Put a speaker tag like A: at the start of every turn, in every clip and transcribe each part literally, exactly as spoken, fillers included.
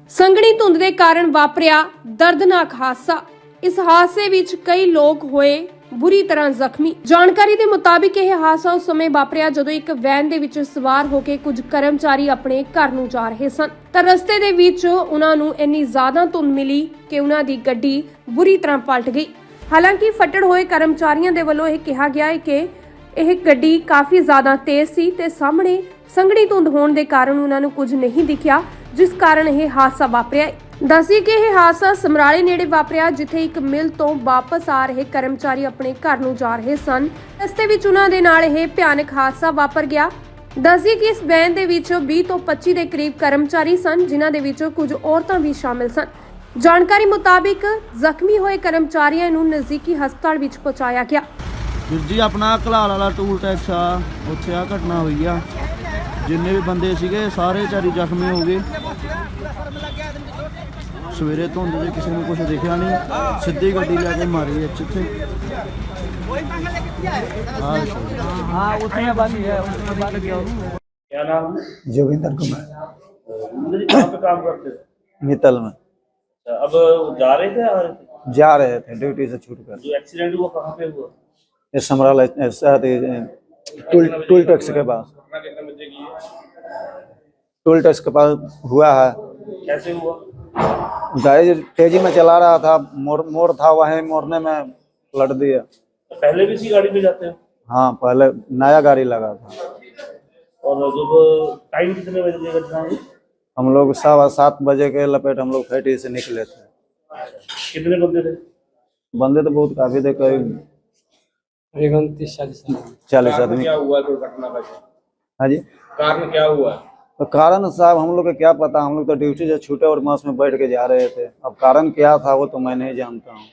A: ਸੰਘਣੀ ਧੁੰਦ ਦੇ ਕਾਰਨ ਵਾਪਰਿਆ ਦਰਦਨਾਕ ਹਾਦਸਾ। ਇਸ ਹਾਦਸੇ ਵਿੱਚ ਕਈ ਲੋਕ ਹੋਏ ਬੁਰੀ ਤਰ੍ਹਾਂ ਜ਼ਖਮੀ। ਜਾਣਕਾਰੀ ਦੇ ਮੁਤਾਬਿਕ ਇਹ ਹਾਦਸਾ ਉਸ ਸਮੇਂ ਵਾਪਰਿਆ ਜਦੋਂ ਇੱਕ ਵੈਨ ਦੇ ਵਿੱਚ ਸਵਾਰ ਹੋ ਕੇ ਕੁਝ ਕਰਮਚਾਰੀ ਆਪਣੇ ਘਰ ਨੂੰ ਜਾ ਰਹੇ ਸਨ ਤਾਂ ਰਸਤੇ ਦੇ ਵਿੱਚ ਉਹਨਾਂ ਨੂੰ ਇੰਨੀ ਜ਼ਿਆਦਾ ਧੁੰਦ ਮਿਲੀ ਕਿ ਉਹਨਾਂ ਦੀ ਗੱਡੀ ਬੁਰੀ ਤਰ੍ਹਾਂ ਪਲਟ ਗਈ। ਹਾਲਾਂਕਿ ਫੱਟੜ ਹੋਏ ਕਰਮਚਾਰੀਆਂ ਦੇ ਵੱਲੋਂ ਇਹ ਕਿਹਾ ਗਿਆ ਹੈ ਕਿ ਇਹ ਗੱਡੀ ਕਾਫੀ ਜ਼ਿਆਦਾ ਤੇਜ਼ ਸੀ ਤੇ ਸਾਹਮਣੇ ਸੰਘਣੀ ਧੁੰਦ ਹੋਣ ਦੇ ਕਾਰਨ ਉਹਨਾਂ ਨੂੰ ਕੁਝ ਨਹੀਂ ਦਿਖਿਆ, ਜਿਸ ਕਾਰਨ ਇਹ ਹਾਦਸਾ ਵਾਪਰਿਆ। ਦੱਸੀ ਕਿ ਇਹ ਹਾਦਸਾ ਸਮਰਾਲੇ ਨੇੜੇ ਵਾਪਰਿਆ, ਜਿੱਥੇ ਇੱਕ ਮਿਲ ਤੋਂ ਵਾਪਸ ਆ ਰਹੇ ਕਰਮਚਾਰੀ ਆਪਣੇ ਘਰ ਨੂੰ ਜਾ ਰਹੇ ਸਨ। ਰਸਤੇ ਵਿੱਚ ਉਹਨਾਂ ਦੇ ਨਾਲ ਇਹ ਭਿਆਨਕ ਹਾਦਸਾ ਵਾਪਰ ਗਿਆ। ਦੱਸੀ ਕਿ ਇਸ ਵੈਨ ਦੇ ਵਿੱਚ ਵੀਹ ਤੋਂ ਪੱਚੀ ਦੇ ਕਰੀਬ ਕਰਮਚਾਰੀ ਸਨ, ਜਿਨ੍ਹਾਂ ਦੇ ਵਿੱਚ ਕੁਝ ਔਰਤਾਂ ਵੀ ਸ਼ਾਮਿਲ ਸਨ। ਜਾਣਕਾਰੀ ਮੁਤਾਬਿਕ ਜ਼ਖਮੀ ਹੋਏ ਕਰਮਚਾਰੀਆਂ ਨੂੰ ਨਜ਼ਦੀਕੀ ਹਸਪਤਾਲ ਵਿੱਚ ਪਹੁੰਚਾਇਆ ਗਿਆ।
B: ਜੀ ਆਪਣਾ ਘਲਾਲ ਵਾਲਾ ਟੂਲ ਟੈਕਸ ਆ, ਉੱਥੇ ਆ ਘਟਨਾ ਹੋਈ ਆ। ਜਿੰਨੇ ਵੀ ਬੰਦੇ ਸੀਗੇ ਸਾਰੇ ਚਾਰੀ ਜ਼ਖਮੀ ਹੋ ਗਏ। ਸਵੇਰੇ ਧੁੰਦ ਦੇ ਕਿਸੇ ਨੂੰ ਕੁਝ ਦਿਖਿਆ ਨਹੀਂ, ਸਿੱਧੀ ਗੱਡੀ ਲੈ ਕੇ ਮਾਰੀ ਇੱਥੇ।
C: क्या नाम है?
D: जोगिंदर कुमार
C: जोगिंदर जी कहाँ पे काम करते थे?
D: मित्तल में
C: अच्छा, अब जा रहे थे आ रहे थे?
D: जा रहे थे ड्यूटी से छूट कर।
C: जो एक्सीडेंट हुआ कहाँ पे हुआ?
D: ये समराला टूल टूल टैक्स के पास, टूल टैक्स के पास हुआ है।
C: कैसे हुआ?
D: गाड़ी तेजी में चला रहा था, मोड़ मोड़ था, वहीं मोड़ने में पलट दिया।
C: तो पहले भी इसी गाड़ी में जाते हो?
D: हाँ, पहले नया गाड़ी लगा था।
C: और जब टाइम कितने बजे की घटना हुई?
D: हम लोग सवा सात बजे के लपेट हम लोग फैटी से निकले थे।
C: कितने बंदे थे?
D: बंदे तो बहुत काफी थे, करीब चालीस आदमी।
E: क्या हुआ दुर्घटना का?
D: हाँ जी,
E: कारण क्या हुआ?
D: तो कारण साहब हम लोग को क्या पता, हम लोग तो ड्यूटी से छूटे और बस में बैठ के जा रहे थे। अब कारण क्या था वो तो मैं नहीं जानता हूँ।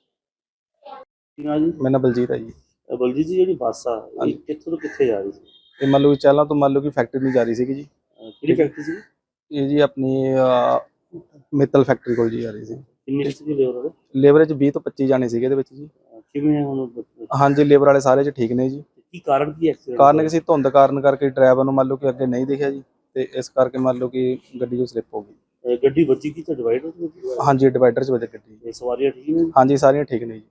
F: मेरा नाम बलजीत है जी।
C: बलजीत जी, ਜਿਹੜੀ ਬੱਸ ਆ ਇਹ ਕਿੱਥੋਂ ਤੋਂ ਕਿੱਥੇ ਜਾ ਰਹੀ ਸੀ?
F: ਇਹ ਮੰਨ ਲਓ ਕਿ ਚਾਲਾਂ ਤੋਂ ਮੰਨ ਲਓ ਕਿ ਫੈਕਟਰੀ ਨੂੰ ਜਾ ਰਹੀ ਸੀਗੀ ਜੀ।
C: ਕਿਹੜੀ ਫੈਕਟਰੀ ਸੀ?
F: ਇਹ ਜੀ ਆਪਣੀ ਮਿੱਤਲ ਫੈਕਟਰੀ ਕੋਲ ਜੀ ਜਾ ਰਹੀ ਸੀ।
C: ਕਿੰਨੀ ਸੀ ਲੇਬਰ ਵਾਲੇ?
F: ਲੇਬਰ 'ਚ ਵੀਹ ਤੋਂ ਪੱਚੀ ਜਾਣੇ ਸੀਗੇ ਇਹਦੇ ਵਿੱਚ ਜੀ।
C: ਕਿਵੇਂ ਹੁਣ?
F: ਹਾਂਜੀ, ਲੇਬਰ ਵਾਲੇ ਸਾਰੇ 'ਚ ਠੀਕ ਨੇ ਜੀ।
C: ਕੀ ਕਾਰਨ ਕੀ ਐਕਸੀਡੈਂਟ?
F: ਕਾਰਨ ਕਿਸੇ ਧੁੰਦ ਕਾਰਨ ਕਰਕੇ ਡਰਾਈਵਰ ਨੂੰ ਮੰਨ ਲਓ ਕਿ ਅੱਗੇ ਨਹੀਂ ਦਿਖਿਆ ਜੀ, ਤੇ ਇਸ ਕਰਕੇ ਮੰਨ ਲਓ ਕਿ ਗੱਡੀ ਜੋ ਸਲਿੱਪ ਹੋ ਗਈ।
C: ਗੱਡੀ ਵੱਜੀ ਕੀ ਤਾਂ ਡਿਵਾਈਡਰ ਤੇ ਵੱਜੀ?
F: ਹਾਂਜੀ, ਡਿਵਾਈਡਰ 'ਚ ਵੱਜ ਗੱਡੀ।
C: ਇਹ ਸਵਾਰੀਆਂ ਠੀਕ ਨੇ?
F: ਹਾਂਜੀ, ਸਾਰੀਆਂ ਠੀਕ ਨੇ ਜੀ।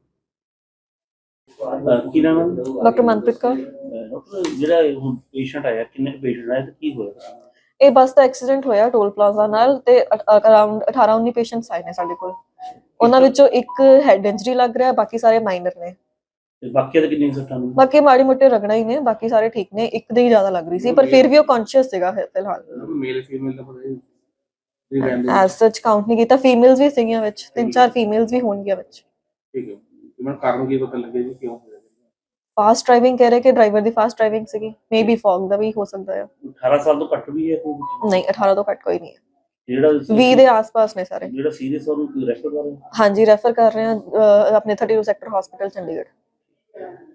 C: ਕੀ ਨਾਮ ਹੈ?
G: ਡਾਕਟਰ ਮਨਪ੍ਰੀਤ ਕੌਰ।
C: ਡਾਕਟਰ, ਜਿਹੜਾ ਹੁਣ ਪੇਸ਼ੈਂਟ ਆਇਆ, ਕਿੰਨੇ ਪੇਸ਼ੈਂਟ ਆਏ ਤੇ ਕੀ ਹੋਇਆ?
G: ਇਹ ਬੱਸ ਦਾ ਐਕਸੀਡੈਂਟ ਹੋਇਆ ਟੋਲ ਪਲਾਜ਼ਾ ਨਾਲ, ਤੇ ਅਰਾਊਂਡ ਅਠਾਰਾਂ ਉੱਨੀ ਪੇਸ਼ੈਂਟਸ ਆਏ ਨੇ ਸਾਡੇ ਕੋਲ। ਉਹਨਾਂ ਵਿੱਚੋਂ ਇੱਕ ਹੈਡ ਇੰਜਰੀ ਲੱਗ ਰਿਹਾ, ਬਾਕੀ ਸਾਰੇ ਮਾਈਨਰ ਨੇ।
C: ਤੇ ਬਾਕੀ ਦੇ ਕਿੰਨੇ ਸੱਟਾਂ ਨੇ?
G: ਬਾਕੀ ਮਾੜੀ ਮੋਟੇ ਰਗੜਾ ਹੀ ਨੇ, ਬਾਕੀ ਸਾਰੇ ਠੀਕ ਨੇ। ਇੱਕ ਦੇ ਹੀ ਜ਼ਿਆਦਾ ਲੱਗ ਰਹੀ ਸੀ, ਪਰ ਫਿਰ ਵੀ ਉਹ ਕੌਨਸ਼ੀਅਸ ਸੀਗਾ ਫਿਲਹਾਲ।
E: ਮੇਲ ਫੀਮੇਲ ਦਾ ਪਤਾ
G: ਐਸ ਸੱਚ ਕਾਊਂਟ ਨਹੀਂ ਕੀਤਾ। ਫੀਮੇਲਸ ਵੀ ਸੀਗੀਆਂ ਵਿੱਚ, ਤਿੰਨ ਚਾਰ ਫੀਮੇਲਸ ਵੀ ਹੋਣਗੀਆਂ ਵਿੱਚ।
E: ਠੀਕ ਹੈ, ਮੈਨੂੰ ਕਾਰਨ ਕੀ ਪਤਾ ਲੱਗਿਆ ਜੀ ਕਿਉਂ ਹੋਇਆ?
G: ਫਾਸਟ ਡਰਾਈਵਿੰਗ ਕਹਿ ਰਹੇ ਕਿ ਡਰਾਈਵਰ ਦੀ ਫਾਸਟ ਡਰਾਈਵਿੰਗ ਸੀਗੀ। ਮੇਬੀ ਫੌਗ ਦਾ ਵੀ ਹੋ ਸਕਦਾ ਹੈ।
C: ਅਠਾਰਾਂ ਸਾਲ ਤੋਂ ਘੱਟ ਵੀ ਹੈ ਕੋਈ?
G: ਨਹੀਂ, ਅਠਾਰਾਂ ਤੋਂ ਘੱਟ ਕੋਈ ਨਹੀਂ ਹੈ।
C: ਜਿਹੜਾ
G: ਵੀਹ ਦੇ ਆਸ-ਪਾਸ ਨੇ ਸਾਰੇ।
C: ਜਿਹੜਾ ਸੀਰੀਅਸ ਉਹਨੂੰ ਰੈਫਰ ਕਰ ਰਹੇ?
G: ਹਾਂਜੀ, ਰੈਫਰ ਕਰ ਰਹੇ ਹਾਂ ਆਪਣੇ thirty two sector hospital Chandigarh.